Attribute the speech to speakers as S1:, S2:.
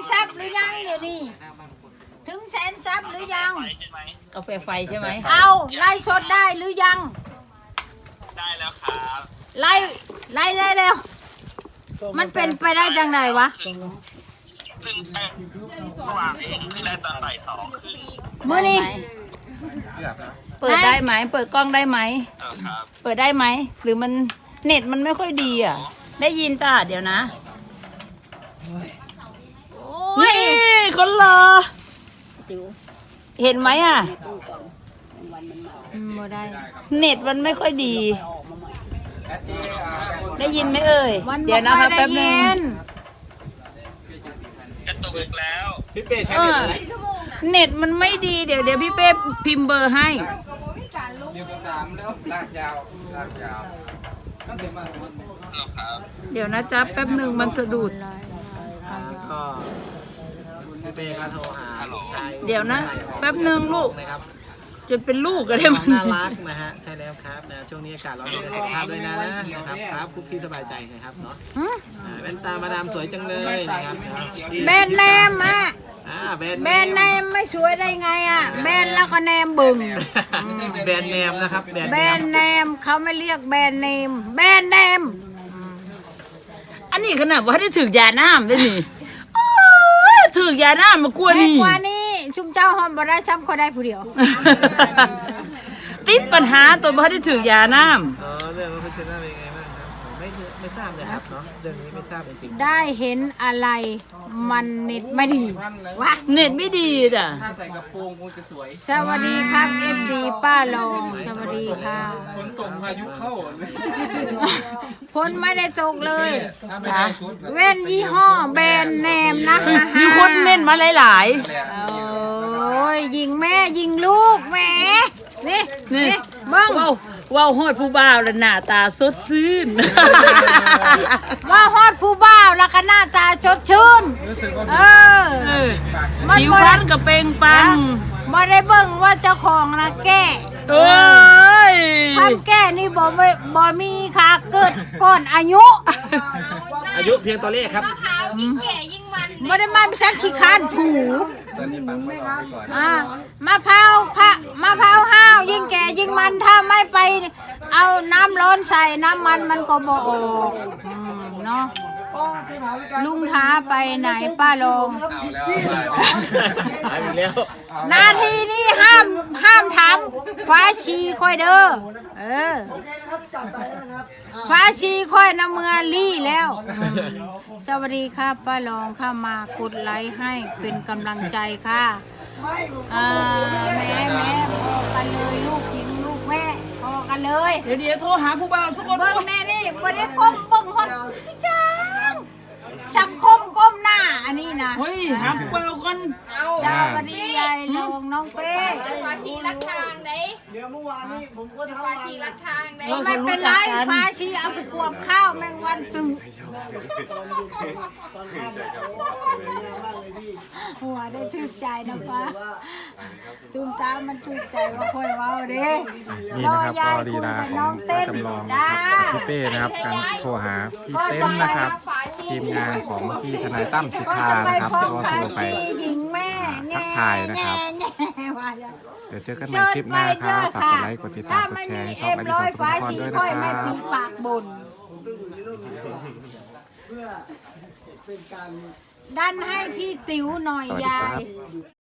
S1: ซับหรือยังเดี๋ยวนี้ถึงแสนซับหรือยัง
S2: กาแฟไฟใช่ไหม
S1: เอาไล่สดได้หรือยัง
S3: ได้แล้วครับ
S1: ไล่แล้วมันเป็นไปได้จังไดวะ
S3: เพิ่งวางเองคือได้ตอนบ่าย2คือ
S1: มื้อนี้
S2: เปิดได้ไหมเปิดกล้องได้ไหม
S3: ครับ
S2: เปิดได้ไหมหรือมันเน็ตมันไม่ค่อยดีอ่ะได้ยินจ้าเดี๋ยวนะนี่คนรอเห็นไหมอ่ะ
S1: บ่ได้
S2: เน็ตมันไม่ค่อยดีได้ยินไหมเอ่ยเดี๋ยวนะคะแป๊บนึง
S3: กระตุกอีกแล้ว
S4: พี่เป้ใช้เน็ตอะไร
S2: เน็ตมันไม่ดีเดี๋ยวพี่เป้พิมพ์เบอร์ให้
S4: 3แล้วลากยาวก็เต็มมาก
S2: เดี๋ยวนะจ๊ะแป๊บนึงมันสะดุด
S4: ก็พี่เป้ก็โทรหา
S2: เดี๋ยวนะแป๊บนึงลูก
S4: นะครับ
S2: จะเป็นลูกกันได้มัน
S4: น่ารักนะฮะใช่แล้วครับนะช่วงนี้อากาศร้อนดูแลสุขภาพด้วยนะครับครับคุกกี้สบายใจนะครับเนาะแว่นตามาดามสวยจังเลยนะครับ
S1: แบรนด์เนมอ่ะแบรนด์เนมไม่สวยได้ไงอ่ะแบรนด์แล้วก็เนมบึง
S4: แบรนด์เนมนะครับ
S1: แบรนด์เนมเขาไม่เรียกแบรนด์เนมแบรนด์เนม
S2: อันนี้ขนาดว่าได้ถึงยาน้ำได้นี่ถึงยาน้ำมากลัวนี่
S1: กว่านี้ชุมเจ้าหอมบ่ได้ช้ำเขาได้ผู้เดียว
S2: ติดปัญหาตัวบ่ได้ถึงยาน้
S4: ำเรื่องว่าเพชรน่าเป็นไงบ้างครับไม่ทราบเลยครับเนาะเรื่องนี้ไม่ทราบจริง
S1: ๆได้เห็นอะไรมันเน็ตไม่ดีวะ
S2: เน็ตไม่ดีจ้ะ
S4: ถ้าใส่กระโปรงคงจะสวย
S1: สวัสดีครับ FC ป้าลงสวัสดีค่ะ
S4: ฝนตกพายุเข้า
S1: ฝนไม่ได้ตกเลยเว้นยี่ห้อแบรนด์เนมนะคะ
S2: มีคนเม่นมาหลาย
S1: โอ้ยยิงแม่ยิงลูกแม่นี่เบิ้ง
S2: ว้าวฮอดผู้บ่าวแล้วหน้าตาสดชื่น
S1: ว่าฮอดผู้บ่าวแล้วก็หน้าตาสดชื่น
S2: ผิวพรรณกับเปล่งปัง
S1: ไม่ได้เบิ่งว่าเจ้าของนะแก้
S2: โอ้ย
S1: ทำแก้นี่บ่มีค่ะเกิดก่อนอายุ
S4: เพียงตัวเลขครับ
S1: มะพร้าวยิ่งแก่ยิ่งมันไม่ได้มันสักขี้คานถูมะพร้าวห้าวยิ่งแก่ยิ่งมันถ้าไม่ไปเอาน้ำร้อนใส่น้ำมันก็บ่ออกเนาะลุงท้าไปไหนป้าลงนาทีนี้ห้ามถามฟ้าชีค่อยเด้อฟ้าชีค่อยน้ำเมือลี่แล้วสวัสดีค่ะป้าลองเข้ามากดไลค์ให้เป็นกำลังใจค่ะแม่พอกันเลยลูกหญิงลูกแม่พอกันเลย
S2: เดี๋ยวโทรหาผู้บ่าวสักคน
S1: เบิ้งแม่นี่วันนี้ก้มเบิ้งฮอดจังสังคมก้มหน้าอันนี้นะ
S2: เฮ้ยหาผู้บ่าวกัน
S1: สวัสดียายลงน้องเป้
S5: ฟ้าชีรักทางไหน
S4: เดี๋ยวเมื่อวานนี้ผมก็ทำ
S5: ฟ้าชีรักทางไหน
S1: ไม่เป็นไรฟ้าชีเอาไปกวบข้าวแมงวันตึงหัวได้ทึกใจนะป้าจุ่มจ้ามันทึกใจว่าค่อยว้าวเด้
S6: นี่นะครับก็ดีดาของจำลองพี่เป้นะครับการโทรหาพี่เต้นนะครับทีมงานของพี่ทนายตั้มสิทธานะครับก็โทรไปทักทายนะครับเดี๋ยวเจอกันใหม่คลิปหน้าครับฝากกดไลค์กดติดตามกดแชร์ให้ช่องอดิศรสุภพรด้วยนะครับ
S1: ดันให้พี่ติ๋วหน่อยยาย